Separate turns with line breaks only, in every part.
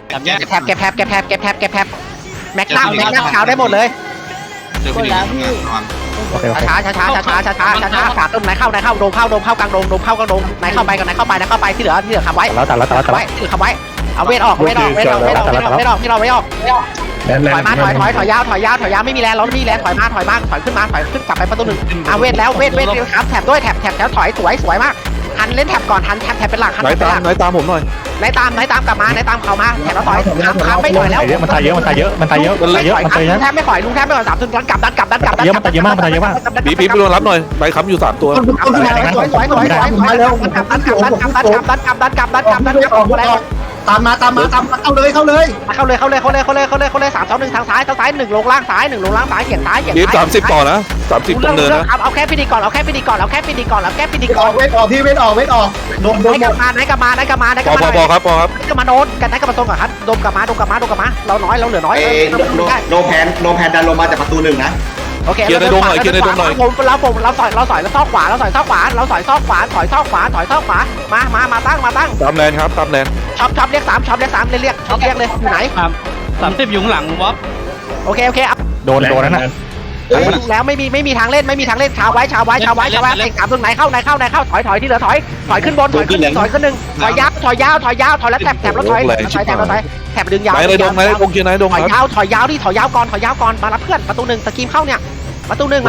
แก็บแท็บแม็กนัมขาวได้หมดเลยช้าขาต้นไหนเข้าโดมเข้ากลางโดมไหนเข้าไปที่เหลือคำไว้
แล้ว
ไว้คำไว้เอาเวทออกไม่ออกถอยมาถอยยาวไม่มีแรงเราไม่มีแรงถอยมาถอยขึ้นกลับไปประตูหนึ่งเวทแล้วเวทครับแท็บด้วยแท็บแล้วถอยสวยมากหันเล่นแท็บก่อนหันแท็บเป็นหลัก
ไหนตามผมหน่อย
ไหนตามกลับมาเข้ามาแท็บแล้วถอยครับไม่ถอยแล้ว
มันตายเยอะแทบ
ไม่ถอยลุงแทบไม่ถอย3 ตัวกลับ
เยอะมันตายเยอะมาก
บีไปโดนรับหน่อยใบค้ำอยู่3 ตัว
ตามมาเข้าเลย
3 2 1ทางซ้าย1ลงล่างซ้าย1ลงล่างซ้ายเหยียดซ้าย
บี30ต่อนะ30ตรงเนินนะ
เอาแค่พิธีก่อนเวทออก
พี่เวทออกโดน
ไหนกลับมา
พอครับ
ก็มาโดนกันไหนกลับมาตรงกับครับโดมกลับมาเราน้อยเราเหลือน้อย
โนแพนดันลงมาจากประตู1นะ
โอเคเราสอยแล้วซอกขวามาตั้ง
ตามแลนครับตามแลน
ช็อปเรียก3เรียกเลยอยู่ไหน
30อยู่หลังวอฟ
โอเค
โดนนั่นน่ะ
แล้วไม่มีทางเล่นชาวไว้เตะ3ตรงไหนเข้าถอยที่เหลือถอยขึ้นบนถอยขึ้น1ถอยยาวแล้วแถบแล้วถอยแถบดึงยาว
ไหนดงไหนดงเกียร์ไหนดงครับ
ถอยยาวก่อนมารับเพื่อนประตู1สกีมเข้าเนี่ยประตู1มา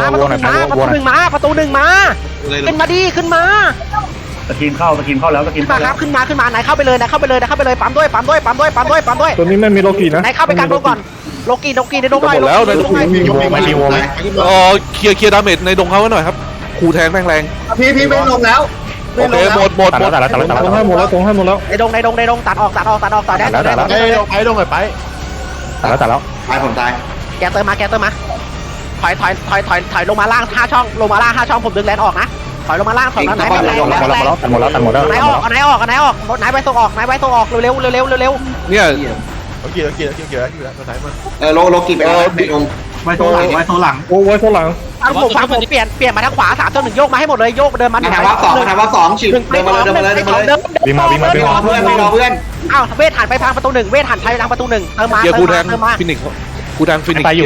ขึ้นมา
สกินเข้าแล้วสกินเข้าแล้ว
ขึ้นมาไหนเข้าไปเลยปั๊มด้วย
ตัวนี้ไม่มีโลกีนะ
ไหนเข้าไปกันโดก่อนโลกีในดงหน่อย
ไม่รีโวไหม
เคลียร์ดาเมจในดงเขาไว้หน่อยครับขู่แทงแรง
พี่ไม่ลงแล้ว
โอเคหมด
ตัดให้หมดแล้ว
ในดงตัดออกต่อได้
ไปดงไป
ตัดแล้ว
ผมตาย
แกเติมมาถอยลงมาล่าง5 ช่องผมดึงแลนออกนะถอยลงมาล่างถอยไหน
หมดแล้ว
ไหนออกไหนไปส่งออกเร็ว
เนี่ย
โลกีไปไว้โซหลัง
ฟังผมเปลี่ยนมาทางขวา3 1โยกมาให้หมดเลยโยกเดินมา
ถามว่า2ฉีดเดินมาเลย
วิ่งมา
เพื่อน
อ้าวเวทหันไปทางประตู1เวทหันไปทางประตู1เติมมา
ฟินิกกูแทงฟินิก
ไปอยู่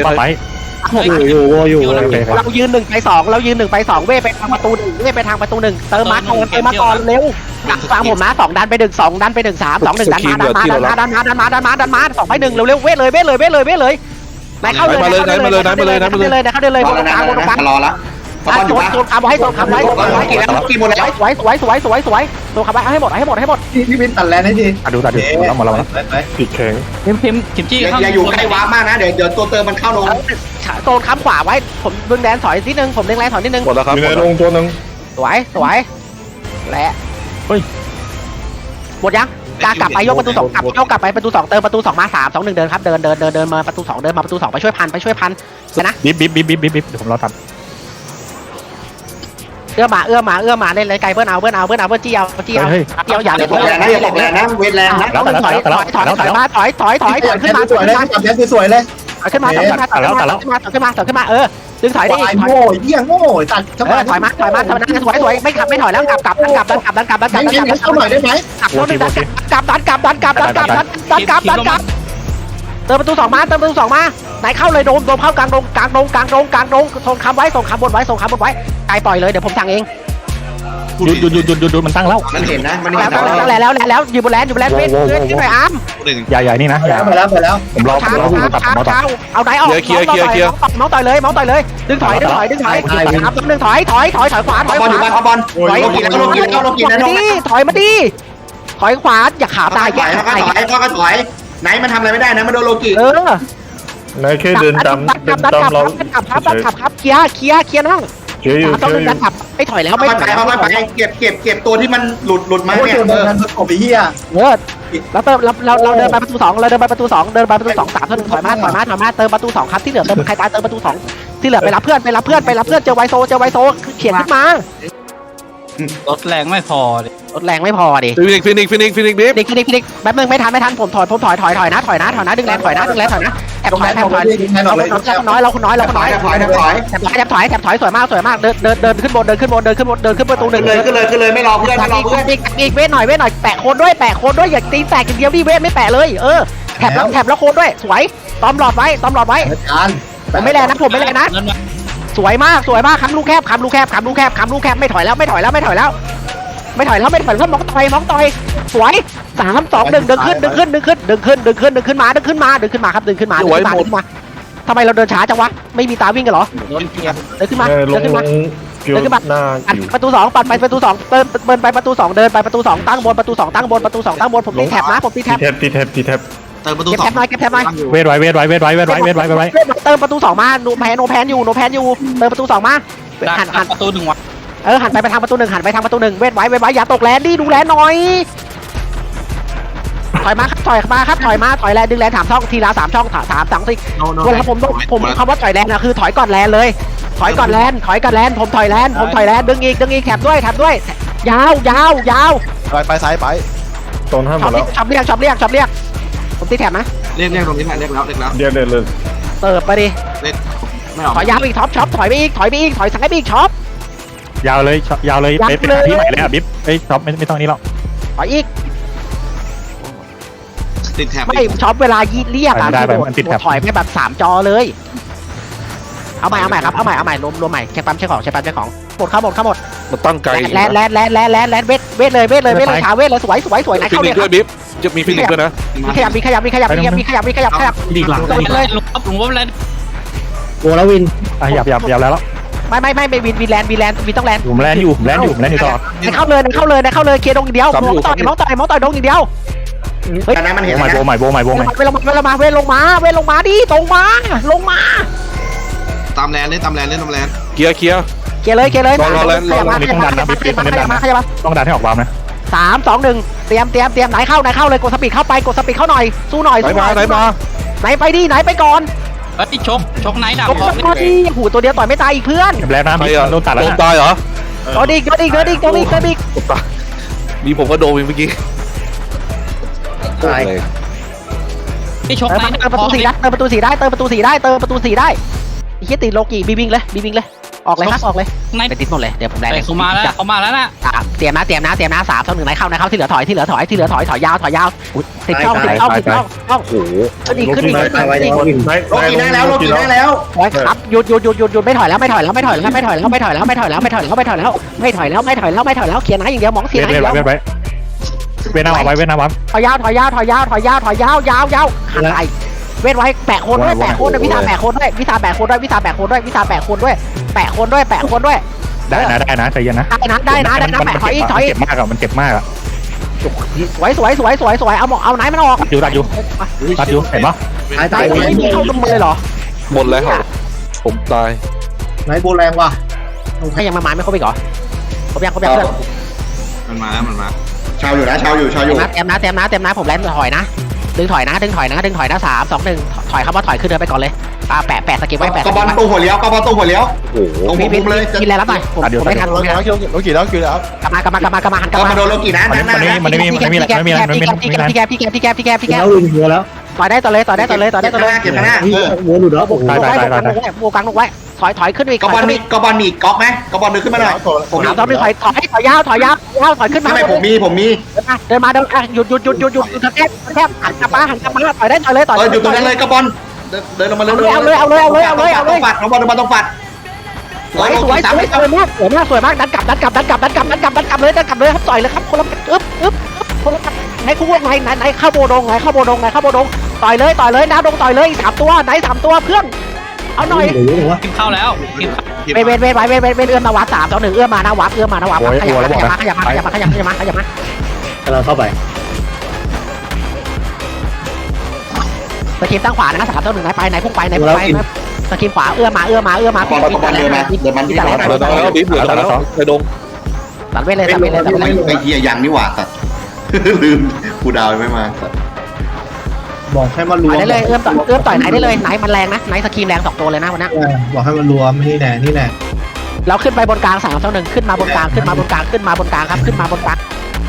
เรายืน1 ไป 2เวทไปทางประตู1เวทไปทางประตู1เติมมาก่อนเร็วฟังผมนะ2ดันไป1 2ดันไป1 3 2 1ดันมา2ไป1เร็วเวทเลยไหนเข้าเลย
มาเลย
เข้าเลยบนกลาง
รอแล้ว
โซนคำไว้
กี่หมดแล้ว
สวยโซนคำไว้ให้หมด
พี่วินตัดแลนให้ดี
ดูแล้วมาแล้วติดแข็ง
พิมจี้
อย่าอยู่ใกล้วาร์ปมากนะเดี๋ยวตัวเติมมันเข้าลง
โซนคำขวาไว้ผมดึงแดนถอยนิดนึงผมดึงแรงถอยนิดนึง
หมดแล้วครับ
มีลงตัวนึง
สวยและหมดยังกลับไปยกประตู2กลับไปประตู2เติมประตู2มา3 2 1เดินครับเดินมาประตู2เดินมาประตู2ไปช่วยพันนะ
บิ๊บเดี๋ยวผมรอตัด
เอื้อมาเล่นเลยไกลเบิ้ลเอาจี้อย่าเลย
อย่าบอกแรงนะเวทแรงนะ
ถอยขึ้นมา
สวยเลย
ขึ้นมาดึงถอยได้
โง่เยี่ยงโง่ตัด
ถอยมาสวยไม่ถอยแล้วกลับเข้าหน่อยได้ไหมกลับเติมประตู2มาไหนเข้าเลยโดมเข้ากลางดงส่งคำไว้ส่งคำบนไว้ไกลปล่อยเลยเดี๋ยวผมสั่งเอง
หยุดมันตั้งแล้ว
มันเห็นนะ
แล้วอยู่บนแลนเวทที่ไหนอาร์ม
ใหญ่นี่นะ
ไปแล้ว
ผมรอ
เอาไหนออก
เคลียร์
มองต่อยเลยดึงถอย3 2 1ถอยขวา
บอล
ถอยมาดิถอยขวาอย่าขาตาย
ถอยไหนมันทำอะไรไม่ได้นะมันโดนโลกิ
นายแค่เดินตามเรา
ครับเคลียร์นั่งต้องดันขับไม่ถอยแล้ว
ไม่ถอยไปเก็บตัวที่มันหลุดมาเนี่ยกบไปเหี้ย
แล้วเราเดินไปประตู2เดินไปประตู2 3 1ถอยมาเติมประตู2ครับที่เหลือเติมใครตายเติมประตู2ที่เหลือไปรับเพื่อนเจอไวโซเขียนขึ้นมาร
ถแรงไม่พอ
ดิ
ฟินิก
แป๊บนึงไม่ทันผมถอยนะดึงแรงถอยนะแอบถอยเราคนน้อยแอบถอยสวยมากเดินขึ้นประตู1
เลยไม่รอเพื่อน
อีกเวทหน่อยแปะโคนด้วยอย่าตีแตกอย่างเดียวดิเวทไม่แปะเลยแถบแล้วโคนด้วยสวยตอมหลอดไว้ผมไม่แรงนะสวยมากค้ำลูกแคบไม่ถอยแล้วมองต่อยสวย3 2 1ดึงขึ้นมาทำไมเราเดินช้าจังวะไม่มีตาวิ่งกันเหรอเดินขึ้นมา
ลงเกี่ยวหน้าอยู่
ประตู2ปัดไปประตู2เดินไปประตู2เดินไปประตู2ตั้งบนผมตีแถบนะผมตีแถบ
ตีแท็บ
เติมประตู
เก็บ
สอ
แถ
ง
บหน่อยเก็บ
เวทไว้
เติมประตู2มาโนแพนอยู่เติมประตู2มาหัน
ประตู1วะ
หันไปทางประตู1เวทไว้อย่าตกแลนดิดูแลหน่อยถอยมาแลนดึงแลน3 ช่องทีละ3 ช่อง3 2 4เวลาผมคำว่าถอยแลนนะคือถอยก่อนแลนเลยถอยก่อนแลนผมถอยแลนดึงอีกแถบด้วยยาว
ไปซ้ายไป
โซนห้ามหมดแล้ว
ชอบเรียกผมตีแถบนะ
เรียกตรงนี้แหละเรียกแล้ว
เดี๋ยวเลย
เปิดไปดิ
เรียกไม่ออก
ถอยยาวอีกท็อปถอยไปอีกถอยซ้ายไปอีกช็อป
ยาวเลยไปที่ใหม่เลยอ่ะบิ๊บเอ้ยช็อปไม่ต้องนี้หรอก
ถอยอีก
ติดแถบ
ไม่ช็อปเวลาเรียกอ่ะถอยไปแบบ3 จอเลยเอาใหม่ครับเอาใหม่รวมใหม่เช็คปั๊มเช็คของหมดเข้าหมด
มันตั้งไกล
แลนเวทเลยชาเวทเลยสวยไหน
ฟิ
เข้า
นิ
เล
ก
ย
ด้วยบิ๊บจะมีฟินิกด้วยนะ
มีขยับ
ดีหลัง
เลย
ผมว่าแลน
โวลวิน
หยับแล้ว
ไม่วินแลนต้องแลน
ผมแลนอยู่ตลอด
เข้าเลยเคลียร์ดงอย่างเดียวมองต่อยดงอย่างเดียวเฮ้ย
แต่นั้นมันเห็น
โบ
นะ
ใหม่
เวลงมาดิตรงมาลงมา
ตามแลนเล่นตามแลน
เคลียร์
เกเลยขยับมา
ต้องดันให้ออกวามนะ
3 2 1เตรียมไหนเข้าเลยกดสปีดเข้าหน่อยสู้หน่อย
ไหนมา
ไหนไปก่อน
เอ้ยชกไหนดัก
หูตัวเดียวต่อยไม่ตายอีกเพื่อน
แล้วนะโดนตัดแล้ว
โดนตายเหรอ
โดนอีก
มีผมก็โดนเมื่อกี้
นี่ชก
เติ
ไหน
มประตู4ได้เติมประตู4ได้ไอ้เหี้ยติดโลกีบีบิงเลยออกเลยไปติดหมดเลยเดี๋ยวผมแลน
เขามาแล้วนะ
เตรียมนะ3 2 1ไหนเข้าที่เหลือถอยยาวติดช่อง
โอ้โห
ขึ้นอีก
โลกีได้แล้ว
ครับหยุดไม่ถอยแล้วเคลียร์นะอย่างเดียวมองเสียนะอย่างเดียว
เวทน้ำเอาไว้
ถอยยาวหันไหลเวทไว้แปะโคนด้วยวิชาแปะโคนด้วยแปะโคนด้วยแปะโคนด้วย
ได้นะใจเย็นนะ
ได้นะแปะถอย
มันเจ็บมากอ่ะ
สวยเอาไหนมันออก
ตัดอยู่เห็นปะ
ตายไม่มีเข้าตรงมือเลยเหรอ
หมดแล้วผมตาย
ไหนโบแรงว่ะ
ให้ยังมาไม่ครบอีกเหรอครบยัง
มันมา
ชาวอยู่
เตรียมนะผมแลนถอยนะดึงถอยนะ3 2 1ถอยครับว่าถอยขึ้นเดินไปก่อนเลยแปะสกิลไว้แปะ
กระบอลตู้หัวเลี้ยว
โอ้โห
ตรงผมเลย
มีแรงรับหน่อยผมไม่ทัน
โลกี่แล้ว
กลับมาหันกลับ
มาโดนโลกีนะ
มันไม่มี
พี่แก
แล้ววินหัวแล้ว
ต่อยได้ต่อเลย
เก็บข้างหน้า
โวหลุดแล้ว
โบกังลงไว้ถอยขึ้นอีก
กระบอลมีอีกก๊อกไหมกระบอลเดินขึ้นมาหน่อย
ผมต้องถอยยาวถอยขึ้นมา
ไม่ผมมี
เดินมาหยุดแทบหันกลับมาต่อยได้ต่อยเลย
อยู่ตรงนั้นเลยกระบอลเดินลงมาเลย
เอาเลย
ฝัดน้องบอลต้องฝัด
สวยมากดันกลับเลยครับต่อยเลยครับคนละคนละไหนคู่วงไหนเข้าโบดงต่อยเลยน้าดงต่อยเลย3 ตัวไหน3 ตัวเพื่อนเอาหน่อย
กินข้าวแล้ว
เวทเอื้อมมาวัด3 2 1เอื้อมมานะวัดขยับมา
กำลังเข้าไป
สกิมตั้งขวานะ3 2 1ไหนไปไหนพุ่งไปสกิมขวาเอื้อมมา
บอลเดินมาเดินมัน
แล้วบิ๊บเหลือแล้วในดง
ตัดเวทเลย
ไอ้เหี้ยยังนี่หว่าสัตว์ลืมกูดาวไม่มาสัตว์
บอกให้มันรวม
ได้เลยเอื้อมต่อยไหนได้เลยไหนมันแรงนะไหนสกิมแรง2 ตัวเลยนะวันนี้
บอกให้มันรวมนี่แน่
เราขึ้นไปบนกลาง3 2 1ขึ้นมาบนกลางครับขึ้นมาบนกลาง